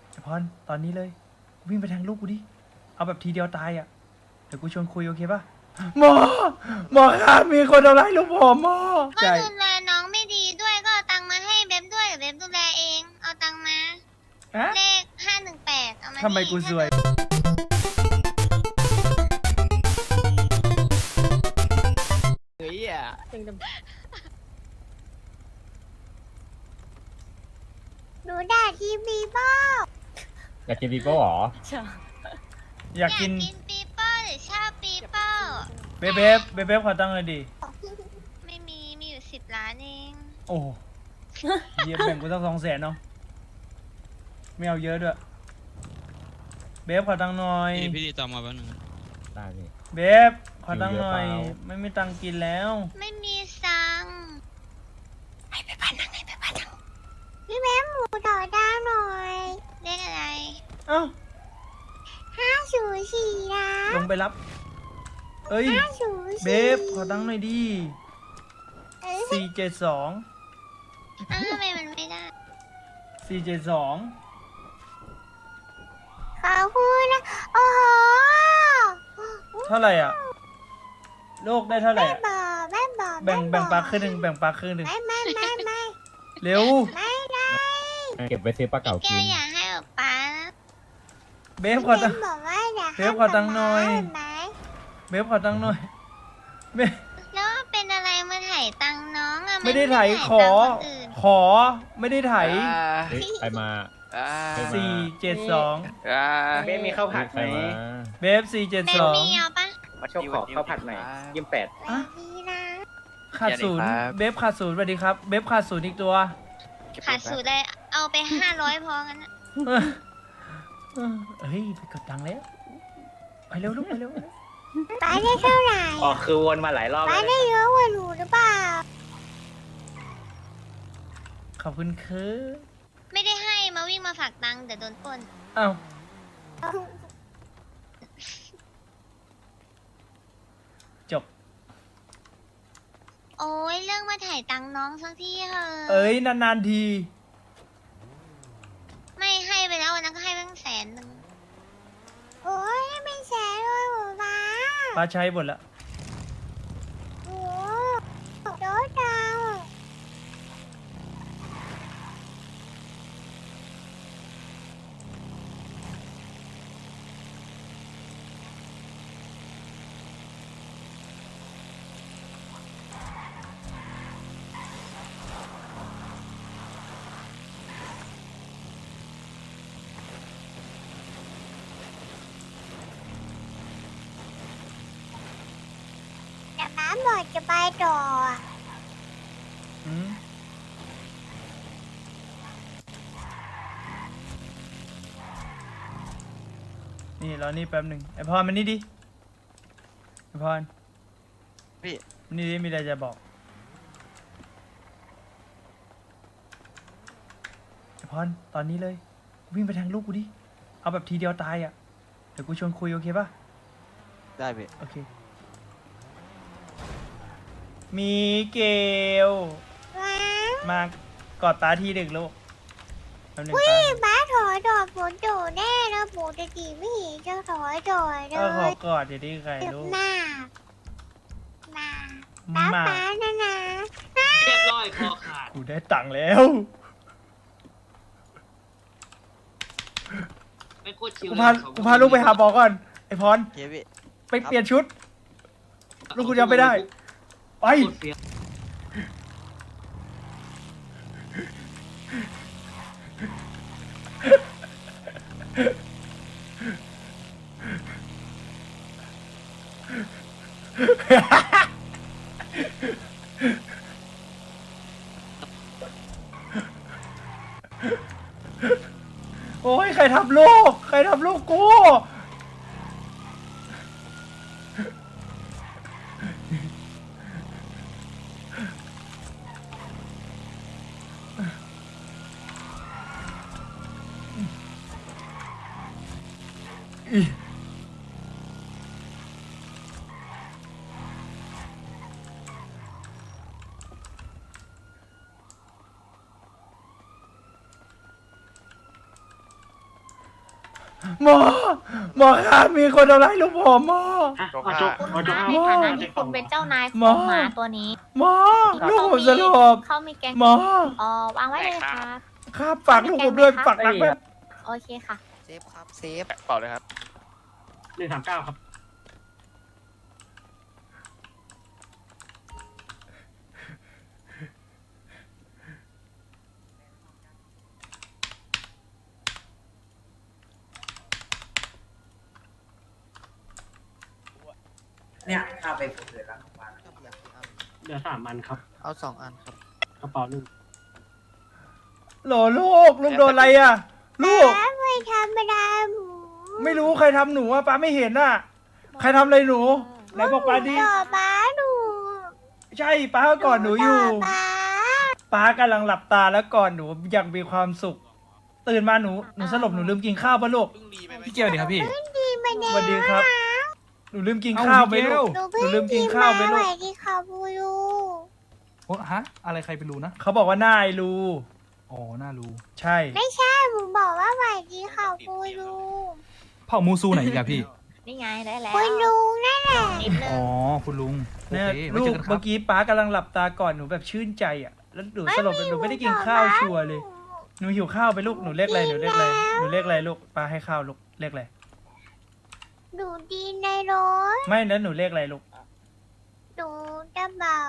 ไอพรตอนนี้เลยวิ่งไปแทงลูกกูดิเอาแบบทีเดียวตายอ่ะเดี๋ยวกูชวนคุยโอเคป่ะหมอครับมีคนทำร้ายลูกผมหมอก็ใช่ดูแลน้องไม่ดีด้วยก็เอาตังค์มาให้เบบด้วยเดี๋ยวเบบดูแลเองเอาตังค์มาฮะเลข518เอามาทำไมกูสวยเฮ้ยอ่ะหนูด่าทีวีบ้าอยากกินบีโก้หรออยากกินปีเป้าหรือชอบปีเป้าเบฟขอตั้งเลยดิไม่มีอยู่10 ล้านเองโอ้เยี่ยแบ่งกูตั้ง200,000เนาะไม่เอาเยอะด้วยเบฟขอตังค์หน่อยพี่ดีตามมาแป๊บนึงได้พี่เบฟขอตังค์หน่อยอยู่เยอะเปล่าไม่มีตังค์กินแล้วไม่มีตังค์ให้ไปบ้านนังพี่แม่หมูต่อดาวหน่อยเลขอะไรเอ้า 504นะลงไปรับเอ้ย 504 เบฟขอตังค์หน่อยดิ472 อ้าวทำไมมันไม่ได้ 472 ขอบคุณนะโอ้โหเท่าไหร่อ่ะโลกได้เท่าไหร่อะแม่บอกแบ่งปลาครึ่งหนึ่งแบ่งปลาครึ่งหนึ่งไม่เร็วไม่ได้เก็บไว้ซื้อปลาเก๋าแกกินอยากให้ป๊านะเบฟขอตังค์บอกว่าอยากเบฟขอตังค์หน่อยไหมเบฟขอตังค์หน่อยเบฟแล้วเป็นอะไรมาถ่ายตังค์น้องอะไม่ได้ไถถ่ายขอตังค์คนอื่นขอไม่ได้ไถเฮ้ยไปมา 472 เบ้มีข้าวผัดไปไหมมาเบฟแม่มีเอาปะมาชอบขอข้าวผัดหน่อย28 อ่ะมีนะขาดศูนย์เบฟขาดศูนย์สวัสดีครับเบฟขาดศูนย์อีกตัวขาดสูตรเลยเอาไป500พอกันนะเฮ้ยไปกดตังค์แล้วไปเร็วลูกไปเร็วป๊าได้เท่าไหร่อ๋อคือวนมาหลายรอบป๊าแล้วได้เยอะกว่าหนูหรือเปล่าขอบคุณคือไม่ได้ให้มาวิ่งมาฝากตังค์เดี๋ยวโดนปล้นอ้าวจบโอ้ยเรื่องมาถ่ายตังค์น้องสักทีเถอะเอ้ยนานๆทีไม่ให้ไปแล้ววันนั้นก็ให้ตั้ง100,000โอ้ยไม่แสนเลยหรอป๊าป้าใช้หมดละโอ้โดนดาว แต่ป๊าบอกจะไปต่ออืมนี่รอนี่แป๊บหนึ่งไอพรมันนี่ดิไอพรพี่นี่ดิมีอะไรจะบอกไอพรตอนนี้เลยวิ่งไปแทงลูกกูดิเอาแบบทีเดียวตายอ่ะเดี๋ยวกูชวนคุยโอเคป่ะได้พี่โอเคมีเกลว้ามากอดตาทีหนึ่งลูกแป๊บหนึ่งวิ่ป้าบ้าถอยดอกฝนโดดแน่แล้วปกติไม่เห็นจะถอยดอยเลก็ขอย กอดอย่าดีใครเจ็บลูกหน้ามาป๊ามาป๊านะนะเรียบร้อยคอขาดกูได้ตังค์แล้วไม่โคตรชิวกูพาลูกไปหาหมอก่อนไอพรเฮ้ยพี่ไปเปลี่ยนชุด ลูกกูยังไม่ได้ ไป โอ้ยใครทำลูก ใครทำลูกกูหมอหมอครับมีคนทำร้ายลูกผมหมอคุณคะในฐานะที่คุณเป็นเจ้านายขหมอองหมาตัวนี้หมอลูกผมสลบเขามีแกงหมอวางไว้เลยครับครับฝากลูกผมด้วยฝากรักแม่โอเคค่ะเซฟครับเซฟเปล่าเลยครับ 139ครับเนี่ยถ้าไปฝึกเลยแล้ววันเหลือ3 อันครับเอา2 อันครับกระเป๋าหนึ่งโหลลูกโดนอะไรอ่ะ ลูกป้าไม่ธรรมดาหมูไม่รู้ใครทำหนูอ่ะป้าไม่เห็นอ่ะ ใครทำอะไรหนูไหนบอกป้าดิต่อป้าหนูใช่ป้าก็กอดหนูอยู่ป้าป้ากำลังหลับตาแล้วกอดหนูอย่างมีความสุข ตื่นมาหนูสลบหนูลืมกินข้าวป่ะลูกพี่เกียวดีครับพี่ดีมาแน่สวัสดีครับ หนูลืมกินข้าวไหมลูกหนูหนูเพิ่ลืงมกิกินนข้าข้าว วไปไหมลูลูกกที่เขาบูรูโอ้ฮะ อะไรใครไปรู้นะเขาบอกว่าหน้าไอรูอ๋อ น่ารู้ใช่ไม่ใช่หมูบอกว่าสวัสดีเขาบูรูเผ่ามูซูไหนอีกอะพี่นี่ไงได้แล้วคุณลุงนั่นแหละนิดนึอ๋งอ คุณลุง โอเนี่ยเคไว้ลูเจกอกันครัเมื่บอกี้ป้ากำลังหลับตากอดหนูแบบชื่นใจอ่ะ แล้วหนูสลบหนูไม่ได้กินข้าวชัวร์เลย หนูหิวข้าวไปลูก หนูเรียกอะไรหนูเรียกอะไรหนูเรียกอะไรลูกป้าให้ข้าวลูกเรียกอะไรหนูดีในรถไม่นะหนูเรียกอะไรลูกหนูจะเบา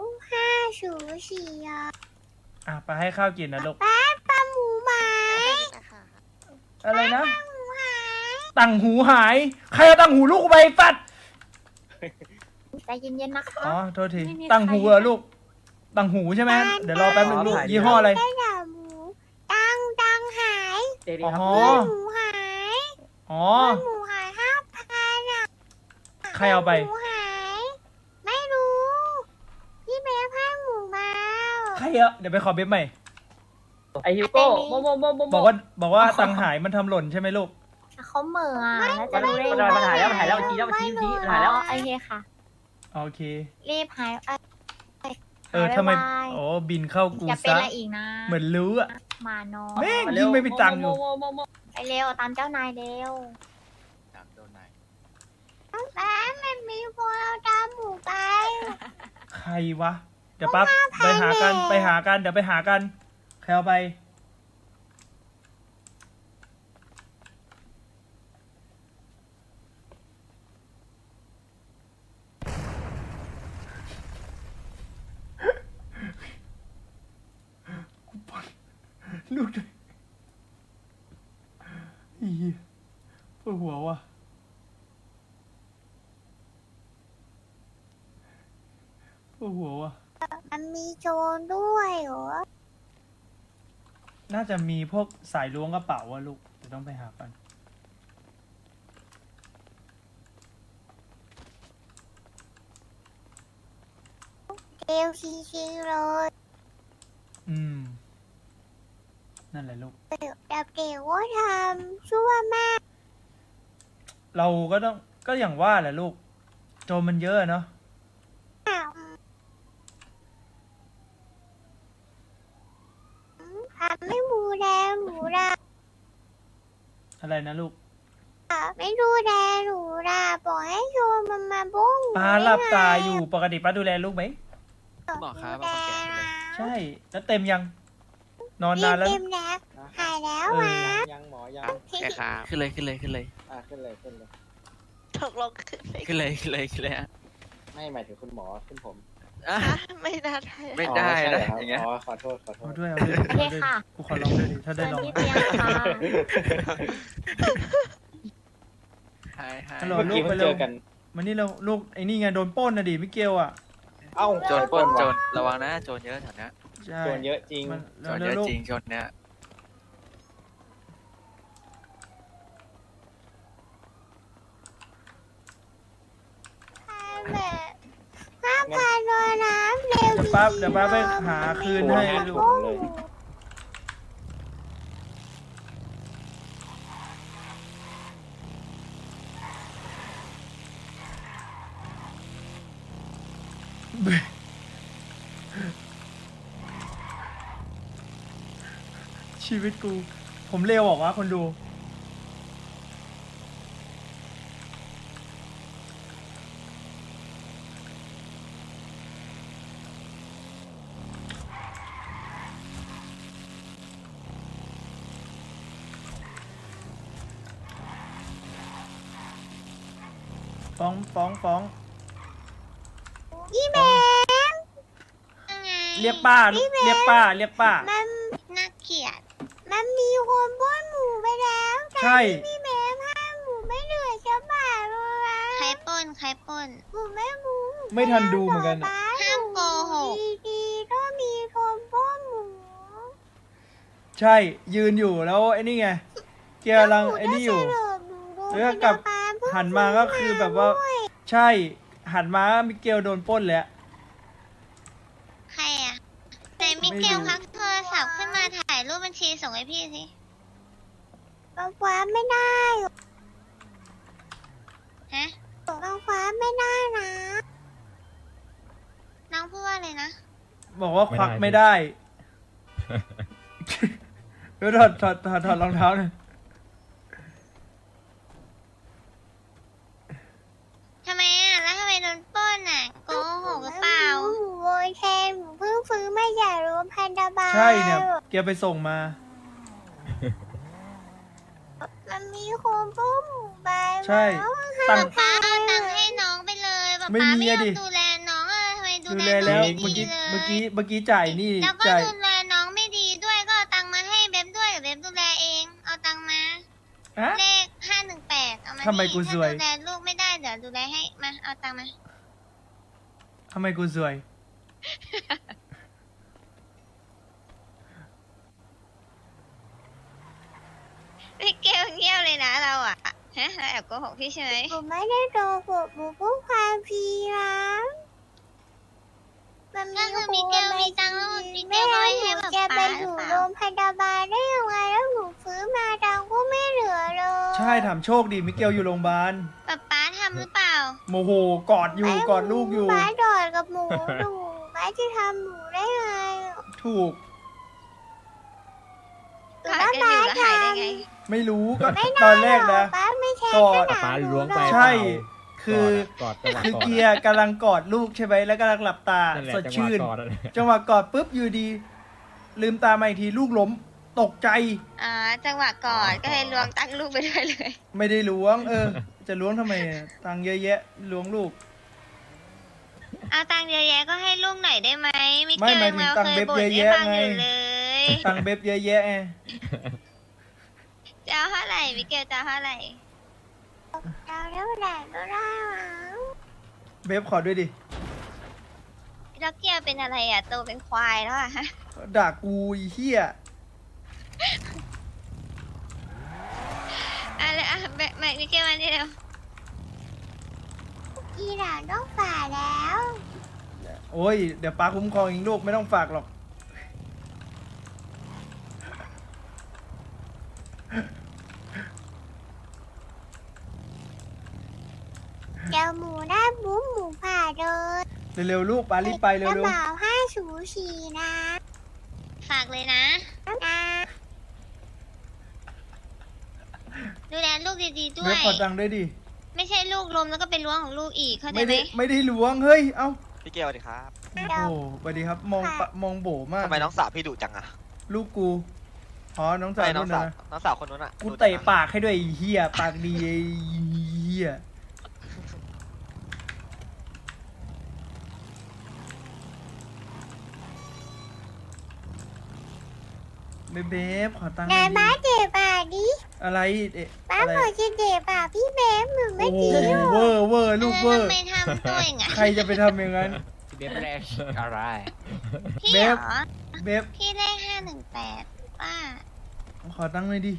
504อ่ะอ่ะป้าให้ข้าวกินนะลูกป้าหมูไหมอะไรนะหมูหายตังหูหาย ใครเอาตังหูลูกกูไปปัดใจเย็นๆนะคะอ๋อ โทษทีไม่มีตังหูใครเหรอลูก ตังหูใช่ไหมเดี๋ยวรอแป๊บนึงลูก ยี่ห้ออะไรได้ด่าหมูตังหายอ๋อหมูหายอ๋อหมูหาย5,000อ่ะใครเอาไปหมูหาย ไม่รู้ พี่เบฟให้หมูมาใครอะเดี๋ยวไปขอเบบใหม่ไอฮิวโก้โมโมโมโมบอกว่าตังหายมันทำหล่นใช่ไหมลูกเขาเหม่ออ่ะแล้วจะรู้ได้มันหายแล้วมันหายแล้วชี้แล้วมันชี้มันหายแล้วโอเคค่ะโอเครีบหายทำไมหายโอ้บินเข้ากูอย่าเป็นซะอะไรอีกนะเหมือนรู้อะมาน้อยแม่งยิ่งไม่มีตังค์อยู่ไปเร็วตามเจ้านายเร็วป้ามันมีคนเอาตามหมูไปใครวะ เดี๋ยวปั๊บไปหากันไปหากัน เดี๋ยวไปหากัน ใครเอาไป กูปวดลูกด้วยอีปวดหัวว่ะปวดหัวว่ะมันมีโจรด้วยเหรอน่าจะมีพวกสายล้วงกระเป๋าอะลูกเดี๋ยวต้องไปหากันเร็วจริงๆเลยอืม นั่นแหละลูกแต่เด็กว่าทำชั่วมากเราก็ต้องก็อย่างว่าแหละลูก โจรมันเยอะอะเนาะทำไม่ดูแลหนูล่ะอะไรนะลูกไม่ดูแลหนูล่ะบอกให้โจรมันมาบ้งป้าหลับตาอยู่ปกติป้าดูแลลูกไหมบอกครับดูว่าแลคนแก่เลยใช่ แล้วเต็มยัง นอนนานแล้วเต็มแล้วหายแล้วเออวะยังหมอยังแก่ครับขึ้นเลยขึ้นเลยขึ้นเลยขึ้นเลยขึ้นเลยตกลงขึ้นเลยขึ้นเลยขึ้นเลยขึ้นเลยฮะไม่หมายถึงคุณหมอขึ้นผมอ่ะไม่น่าได้ไม่ได้นะอ๋ออย่างเงี้ยอ๋อขอโทษขอโทเอาษด้วยเอาด้วยโอเคเอาด้วยค่ะกูขอลองด้วยดิถ้าได้เชิญลองที่เตียงค่ะหายหายฮัลโหลเมื่อลูกี้กไปเพิ่งเร็เจวอกันวันนี้เราลูกไอ้นี่ไงโดนปล้นนะดิมิเกลอ่ะเอ้าโจรปล้นโจรระวังนะโจรเยอะแถวเนี้ยใช่โจรเยอะจริงมันโจรเยเร็วอะๆลูกจริงโจรเนี้ยแบบ5,000โดนน้ำเร็วเดี๋ยวป้าไปหาคืนให้ลูกเลยชีวิตกู ผมเร็วบอกว่าคนดูฟ้องพี่แบมยังไงเรียกป้าลูกเรียกป้ามันน่าเกลียดมันมีคนปล้นหมูไปแล้วใช่พี่แบมห้ามหมูไม่เหลือสักบาทเลยนะใครปล้นหมูไม่รู้ไม่ทันดูเหมือนกันห้ามโกหกดีๆก็มีคนปล้นหมูใช่ ยืนอยู่แล้วไอ้นี่ไงเกียร์กำลังไอ้นี่อยู่ แล้วก็กลับหันมาก็คือแบบว่า ใช่หันมามิเกลโดนปล้นแล้วใครอ่ะไหนมิเกลพักโทรศัพท์ขึ้นมาถ่ายรูปบัญชีส่งให้พี่สิก็คว้าไม่ได้ฮะก็คว้าไม่ได้นะน้องพูดว่าอะไรนะบอกว่าควักไม่ได้เดี๋ยวถอดรองเท้าหน่อยทำไมอ่ะแล้วทำไมโดนปล้นอ่ะโกหกหรือเปล่าหมูโวยแทนหมูเพิ่งฟื้นมาจากโรงพยาบาลใช่เนี่ยเกียร์ไปส่งมามันมีคนปล้นหมูไปใช่ตังค์ป้าเอาตังค์ให้น้องไปเลยป้าไม่มีไม่อะยอดิมดูแลน้องอ่ะทำไมดูดูแลแลน้แล้องวไม่เมื่อดีกี้เลยเมื่อกี้จ่ายนี่แล้วก็จ่ายดูแลน้องไม่ดีด้วยก็เอาตังค์มาให้เบบด้วยเบบดูแลเองเอาตังค์มาฮะเลข518เอามาทำไมกูนี่ซวยถ้าดูแลลูกไม่ได้เดี๋ยวดูแลให้มาเอาตังค์มาทำไมกูสวยพี่เกลเงียบเลยนะเราอ่ะฮะเราแอบโกหกพี่ใช่ไหมผมไม่ได้โกหกผมพูดความพีนะมันก็คือมิเกลมีตังค์แล้วมิเกลก็ไม่ให้แบบป้าหรือเปล่าโรงพยาบาลได้ยังไงแล้วหนูฟื้นมาตังค์ก็ไม่เหลือเลยใช่ถามโชคดีมิเกลอยู่โรงพยาบาลป้าทำหรือเปล่าโมโหกอดอยู่กอดลูกอยู่ป้าดอดกับหมูดูป้าจะทำหมูได้ไงถูกป้าจะอยู่แล้วหายได้ไงไม่รู้ก็ตอนแรกนะป้าไม่ใช่กอดป้าล้วงไปใช่ คือกอดจังหวะคือกอดเกียร์กำลังกอดลูกใช่ไหมแล้วกำลังหลับตานั่นแหละสดชื่นจังหวะกอดนั่นแหละจังหวะกอดปุ๊บอยู่ดี ลืมตามาอีกทีลูกล้มตกใจจังหวะกอดก็เลยล้วงตังลูกไปด้วยเลยไม่ได้ล้วง จะล้วงทำไมอะตังค์เยอะแยะล้วงลูกเอาตังค์เยอะแยะก็ให้ลูกหน่อยได้ไหมมิไม่เกลหมายถึงเราตังค์เคเบ็ยบบ่นเยอะให้แยะฟังไงอยู่เลยตังค์เบ็บเยอะแยะไงจะเอาเท่าไหร่มิเกลจะเอาเท่าไหร่เอาเท่าไหร่ก็ได้เบ็บขอด้วยดิแล้วเกียร์เป็นอะไรอ่ะโตเป็นควายแล้วอ่ะด่ากูไอ้เหี้ยอะไรอ่ะแบบมิเกลมานี่เร็วอีหลานต้องฝ่าแล้วโอ้ยเดี๋ยวป้าคุ้มครองเองลูกไม่ต้องฝากหรอกเดี๋ยวหมูได้บุ้มหมูผ่าเลยเร็วๆลูกป้ารีบไปเร็กระวเป๋า504นะฝากเลยนะดูแลลูกดีๆๆด้วเบ็บยขอตังค์ด้วยดิไม่ใช่ลูกลมแล้วก็เป็นล้วงของลูกอีกเข้าใจไม่ไหมได้ล้วงเฮ้ยเอ้าพี่เกลสวัสดีครับโอ้โหสวัสดีครับมองโบมากทำไมน้องสาวพี่ดุจังอะลูกกูอ๋อน้องสาวไม่น้นู่องนสาวนะน้องสาวคนนู้นอะกูดุจังอะเตะปากให้ด้วยไอ้เหี้ยปากดีไอ้เหี้ยเบ๊บขอตังค์หไหนน่อยบ้าดิเจ็บอ่ะดิอะไรเอ๊ะบ้าอะไรบอกจะเจ็บอ่ะพี่เบฟหนูไม่โอ้โหดีหรอกเวอร์ลูกเวอร์ทำไมทำตัวอย่างนั้นใครจะไปทำอย่างนั้นเบฟแรกอะไรพี่เบเหรฟอเบ๊บพี่เลข518ป้าขอตังค์หน่อยดิ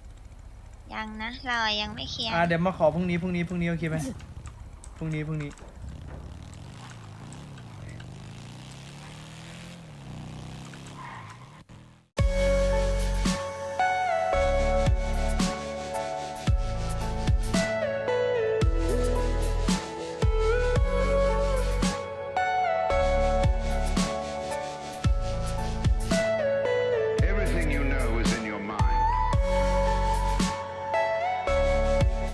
ยังนะเรายังไม่เคลียร์เดี๋ยวมาขอพรุ่งนี้โอเคไหมพรุ่งนี้